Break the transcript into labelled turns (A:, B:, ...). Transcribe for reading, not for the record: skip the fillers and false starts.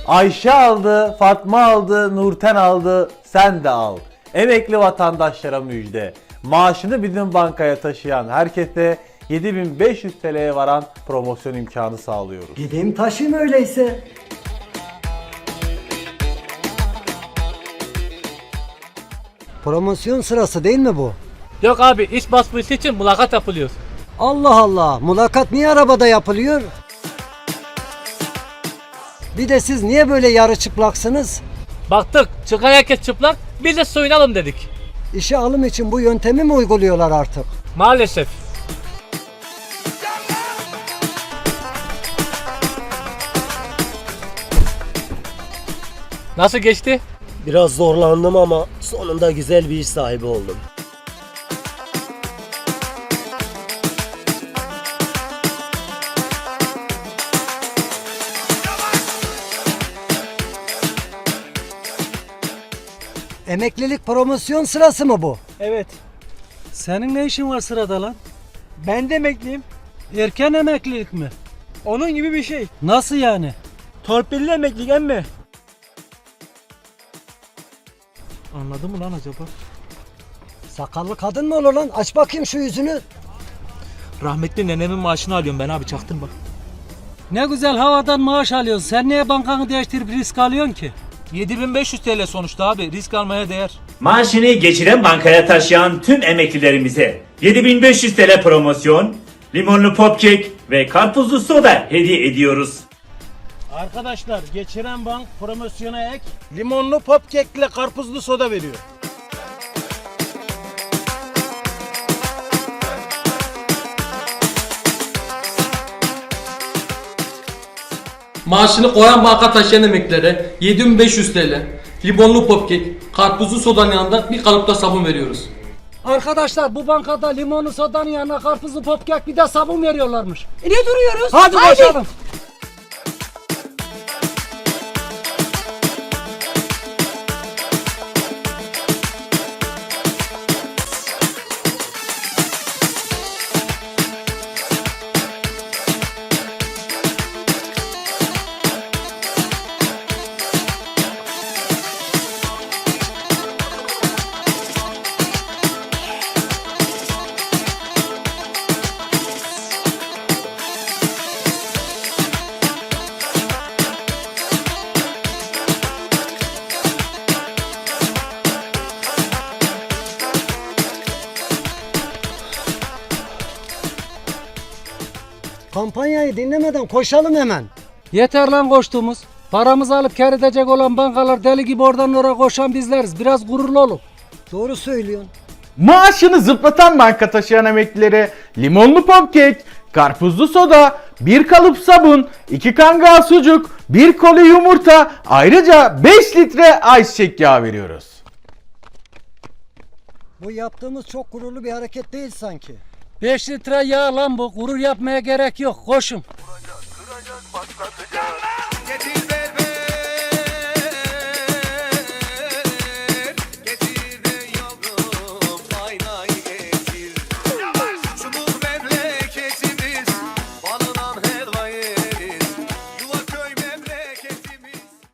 A: Ayşe aldı, Fatma aldı, Nurten aldı, sen de al. Emekli vatandaşlara müjde. Maaşını bizim bankaya taşıyan herkese 7500 TL'ye varan promosyon imkanı sağlıyoruz.
B: Gideyim taşıyayım öyleyse. Promosyon sırası değil mi bu?
C: Yok abi, iş başvurusu için mülakat yapılıyor.
B: Allah Allah, mülakat niye arabada yapılıyor? Bir de siz niye böyle yarı çıplaksınız?
C: Baktık çıkan herkes çıplak, biz de soyunalım dedik.
B: İşe alım için bu yöntemi mi uyguluyorlar artık?
C: Maalesef. Nasıl geçti?
D: Biraz zorlandım ama sonunda güzel bir iş sahibi oldum.
B: Emeklilik promosyon sırası mı bu?
E: Evet. Senin ne işin var sırada lan?
F: Ben de emekliyim.
E: Erken emeklilik mi?
F: Onun gibi bir şey.
E: Nasıl yani?
F: Torpilli emeklilik emme.
E: Anladın mı lan acaba?
B: Sakallı kadın mı olur lan? Aç bakayım şu yüzünü.
F: Rahmetli nenemin maaşını alıyorum ben abi, çaktın bak.
E: Ne güzel havadan maaş alıyorsun. Sen niye bankanı değiştirip risk alıyorsun ki?
F: 7500 TL sonuçta abi, risk almaya değer.
G: Maaşını geçiren bankaya taşıyan tüm emeklilerimize 7500 TL promosyon, limonlu popkek ve karpuzlu soda hediye ediyoruz.
E: Arkadaşlar geçiren bank promosyona ek limonlu popkekle karpuzlu soda veriyor.
H: Maaşını koyan banka taşıyan emeklilere 7500 TL, limonlu popkek, karpuzlu sodanın yanında bir kalıpta sabun veriyoruz.
E: Arkadaşlar bu bankada limonlu sodanın yanına karpuzlu popkek bir de sabun veriyorlarmış.
B: Ne duruyoruz?
E: Hadi koşalım.
B: Kampanyayı dinlemeden koşalım hemen.
E: Yeter lan koştuğumuz. Paramızı alıp kar edecek olan bankalar deli gibi oradan oraya koşan bizleriz. Biraz gururlu olun.
B: Doğru söylüyorsun.
I: Maaşını zıplatan banka taşıyan emeklilere limonlu popkek, karpuzlu soda, bir kalıp sabun, 2 kangal sucuk, 1 koli yumurta, ayrıca 5 litre ayçiçek yağı veriyoruz.
B: Bu yaptığımız çok gururlu bir hareket değil sanki.
E: 5 litre yağ lan bu. Gurur yapmaya gerek yok. Koşun.